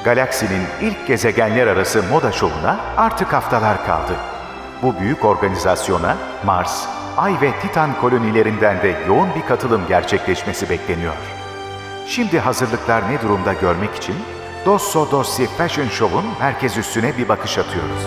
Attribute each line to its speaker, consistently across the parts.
Speaker 1: galaksinin ilk gezegenler arası moda şovuna artık haftalar kaldı. Bu büyük organizasyona Mars, Ay ve Titan kolonilerinden de yoğun bir katılım gerçekleşmesi bekleniyor. Şimdi hazırlıklar ne durumda görmek için Dosso Dossi Fashion Show'un merkez üssüne bir bakış atıyoruz.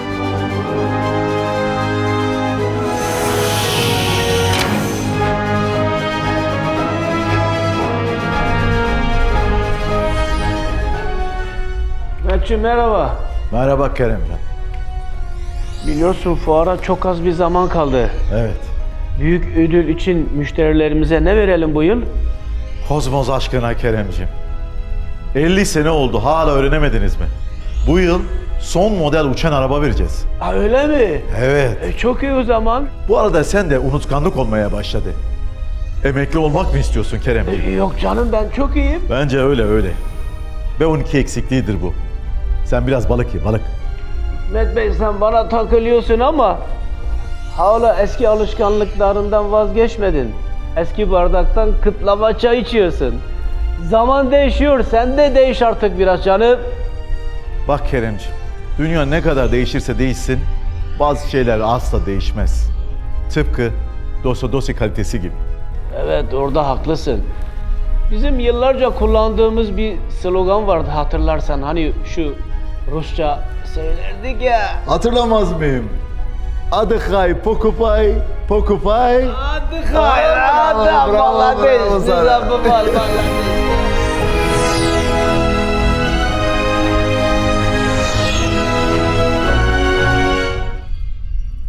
Speaker 2: Mehmetciğim merhaba.
Speaker 3: Merhaba Keremcan.
Speaker 2: Biliyorsun fuara çok az bir zaman kaldı.
Speaker 3: Evet.
Speaker 2: Büyük ödül için müşterilerimize ne verelim bu yıl?
Speaker 3: Kozmos aşkına Keremciğim. 50 sene oldu, hala öğrenemediniz mi? Bu yıl son model uçan araba vereceğiz.
Speaker 2: Ha öyle mi?
Speaker 3: Evet.
Speaker 2: Çok iyi o zaman.
Speaker 3: Bu arada sen de unutkanlık olmaya başladı. Emekli olmak mı istiyorsun Keremciğim?
Speaker 2: Yok canım ben çok iyiyim.
Speaker 3: Bence öyle. B12 eksikliğidir bu. Sen biraz balık ye, balık.
Speaker 2: Mehmet Bey sen bana takılıyorsun ama hala eski alışkanlıklarından vazgeçmedin. Eski bardaktan kıtlama çay içiyorsun. Zaman değişiyor, sen de değiş artık biraz canım.
Speaker 3: Bak Keremciğim, dünya ne kadar değişirse değişsin, bazı şeyler asla değişmez. Tıpkı Dosso kalitesi gibi.
Speaker 2: Evet orada haklısın. Bizim yıllarca kullandığımız bir slogan vardı hatırlarsan hani şu Rusça söylerdik ya.
Speaker 3: Hatırlamaz mıyım? Adıkay, pokupay, pokupay.
Speaker 2: Hadi hayır, hadi
Speaker 3: Bravo,
Speaker 2: vallahi
Speaker 3: bravo
Speaker 2: değil.
Speaker 3: sana.
Speaker 2: Size bu var vallahi.